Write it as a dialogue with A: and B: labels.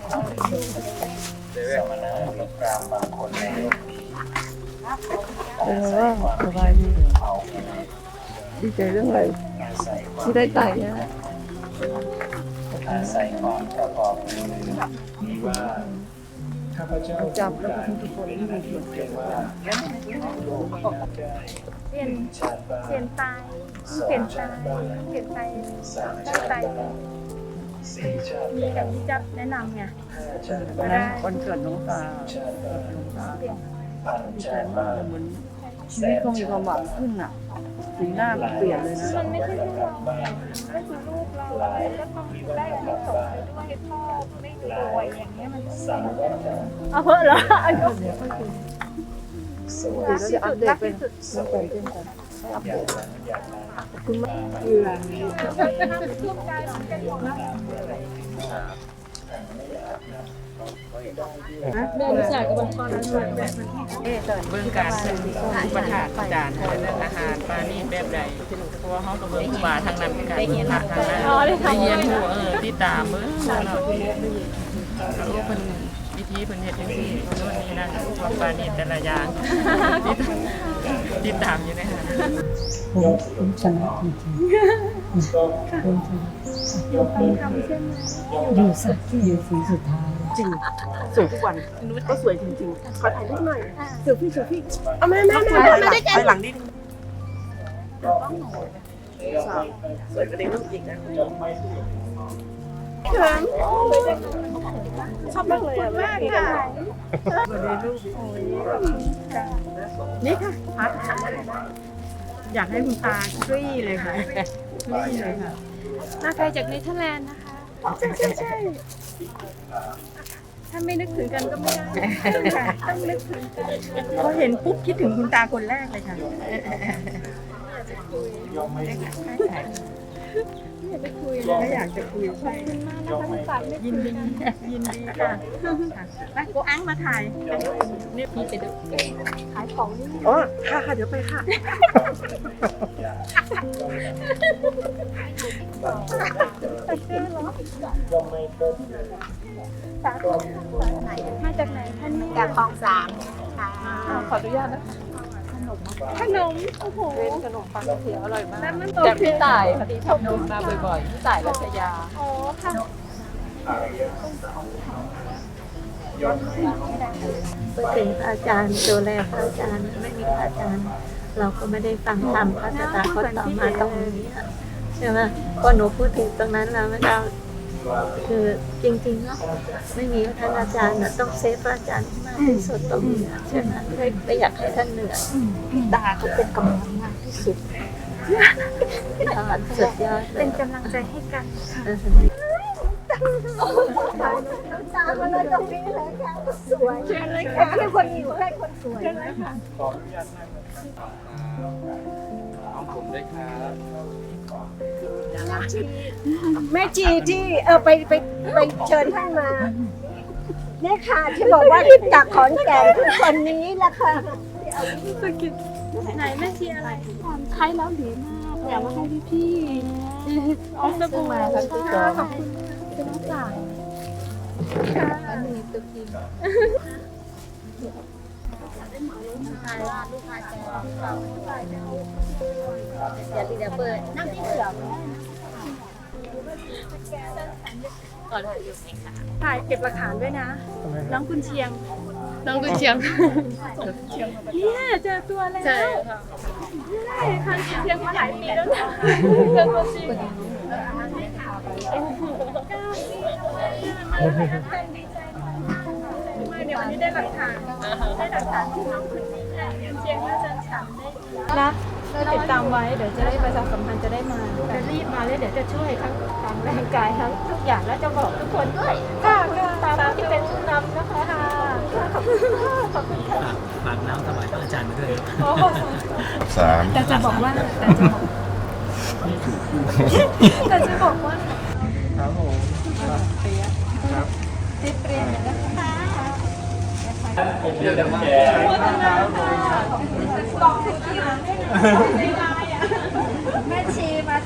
A: สมณะหรือพราหมณ์บางคนในโลกนี้
B: สบายดี
A: เผากิเลส
B: ดีใจเรื่องอะไร
A: อาศัยความ
B: ที่ได้ไต่นะ
A: อาศัยความประกอบมือนี้ว่าข้าพเจ้า
B: จำแล้วก็ทุกคนที่มีส่วนเกี่ยวว่า
A: โลกนี้นับได้
C: เปลี่ยน
A: ชาติบ้าน
C: เปลี่ยนตาย
A: สอ
C: เปลี่ย
A: ง
C: น
A: ชา
C: ตาย
A: ติบ้าน
C: เปลี่ยนตาย
A: สาม
C: ตั้
A: ชาง ติ
C: ใจ
A: บ้านสี่ชาติ
C: มีแต่
A: บ้าน
C: ที่จะแนะนำไง
A: ห้าชาติ
C: ก็
A: บ้าน
C: ได้
B: วันเกิดน้องตา
A: ชาติบ้าน
B: น้องตา
C: เปลี่ยน
A: พัน
B: ดีใจ
A: ชาติ
B: มา
A: บ้าก น
B: เหมือนชีวิตเขามีความหวังขึ้นอ่ะสีหน้ามันเปลี่ยนเลยนะ
C: มันไม่ใช่ที่เราก็คือลูกเราก็ต้องได้อันนี้ส่งไปด้วยพ่อไม่รวยอย่างเงี้ยมัน
A: สามวัฏฏะ
C: เอาเพราะเหรออันนี้
A: สวย
B: แล้วจะอัปเดตเป็นน้ำตาลเต็มกันอัป
A: อ
B: เด
A: ย่าง
B: ต
A: นั้นอย่างนั้น
B: ขอบคุณมากเอือ
C: ทุกกายมันเป็นหมดแล้ว
D: แม่รู้จักกับบางคนนั้นเลยเบื้องการซื้ออุปถากอาจารย์เรื่องอาหารปลานี่แบบใดเพราะว่าเขากับเบื้องป่าทางนั้นกันทางนั้นได้เรียนรู้ที่ตามเบื้องเรารู้เป็นวิธีเป็นเหตุอย่างที่โน่นนี่นั่นว่าปลานี่แต่ละอย่างที่ตามอยู่ในหา
B: ผมชนะจริงๆผมชนะ
C: ทำใช่ไหม
B: อยู่สักที่อยู่สีสุดท้ายจริงสวยทุกวันก็สวยจริงๆขอถ่ายรูปหน่อยเซลฟี่เอาแม่ได้กันไปหลังนิดสวยกว่าในรูปอีกนะชอบมากเลยอ่ะมากค่ะในรูปนี่ค่ะพัดอยากให้คุณตาคลี่เลยค่ะคลี่เลยค่ะ
C: มาไกลจากเนเธอร์แลนด์นะคะ
B: ใช่
C: ถ้าไม่นึกถึงกันก็ไม่ได้ต้องนึกถึงกัน
B: พอเห็นปุ๊บคิดถึงคุณตาคนแรกเลยค่ะ
C: ไม่อยากไปคุยเลย
B: ไม่อยากจะคุย
C: ขอบคุณมากนะคะที่ฝากนึก
B: ยิ
C: ถึ
B: น
C: ง
B: ดี
C: กัน
B: ยินดีค่ะมาโกอังมาถ่าย
D: นี่พี่ไปดู
C: ขายของนี่
B: อ๋อค่ะเดี๋ยวไปค่ะ
C: มาจากไหนท่านนี่
E: จากคลองสามค่ะ
C: ขออนุญาตนะคะขนมโอ้โห
D: เป็นขนมปังเขียวอร่อยมาก
C: แล้วมัน
D: จากพี่ต่ายพอดีชอบดูมาบ่อยๆพี่ต่ายรัชยา
C: อ๋อค่ะ
E: พูดถึงพระอาจารย์ดูแลพระอาจารย์ไม่มีพระอาจารย์ เราก็ไม่ได้ฟังธรรมพระตถาคตต่อมาตรงนี้อะใช่ไหมพอหนูพูดถึงตรงนั้นเราไม่ได้คือจริงๆเนาะไม่มีท่านอาจารย์นะต้องเซฟพระอาจารย์ให้มากที่สุดตรงนี้อะใช่ไหมไม่อยากให้ท่านเหนื่อยตาเขาเป็นกำลังมากที่สุดสุดยอดเล
C: เป็
E: ย
C: นกำลังใจให้กัน
E: ตามาเลยตรงนี้เลยค่ะสวยเชิญเลยค่ะแค่คนอยู่แค่คนสวยนะคะ
A: ขออนุญาตนั่งของผมด้วยครับ
E: แม่จีที่ไปเชิญท่านมาเนี่ยค่ะที่บอกว่าจากขอนแก่นคือคนนี้แหละค่ะ
C: ไหนแม่ชีอะไร
D: ใช้แล้วดีมากอยากมาให้พี่ๆเอาสบู่มาทั้งที่จอ
C: ขอบคุณเป็นน้องสาว
D: อันนี้ตุ๊กกี้
E: เดี๋ยวเปิดนั่งที่เหลือ
D: ก่อนอยู่ไหมคะ
C: ถ่ายเก็บหลักฐานด้วยนะ น้องกุนเชียง
D: น้องกุเชียง
C: เนี่ยเจอตัวแล้ว
D: ใช่ค่ะ
C: ใช่ค่ะเชียงมาหลายปีแล้วนะเจอตัวจริงดีใจมากเดี๋ยววันนี้ได้หลักฐานที่น้องคุณเชียงน่าจะฉันได้นะติดตามไว้เดี๋ยวจะได้ประชาสัมพันธ์จะได้มาจะรีบมาแล้วเดี๋ยวจะช่วยทั้งร่างกายทั้งทุกอย่างแล้วจะบอกทุกคนด้วยค่ะตามที่เป็นผู้นำนะคะขอบคุณค่ะขอบคุณค่ะ
A: ฝากน้ำถวายพระอาจารย์มาด้วย
F: สาม
C: แต่จะบอกว่าแต่จะบอกว่า
A: ครับผมครับ
C: ติดเรียนนะคะ
A: ผมเรียนน้ำแก
C: กล่องสีเขียวไม่ได้อ่ะแม่ชีมา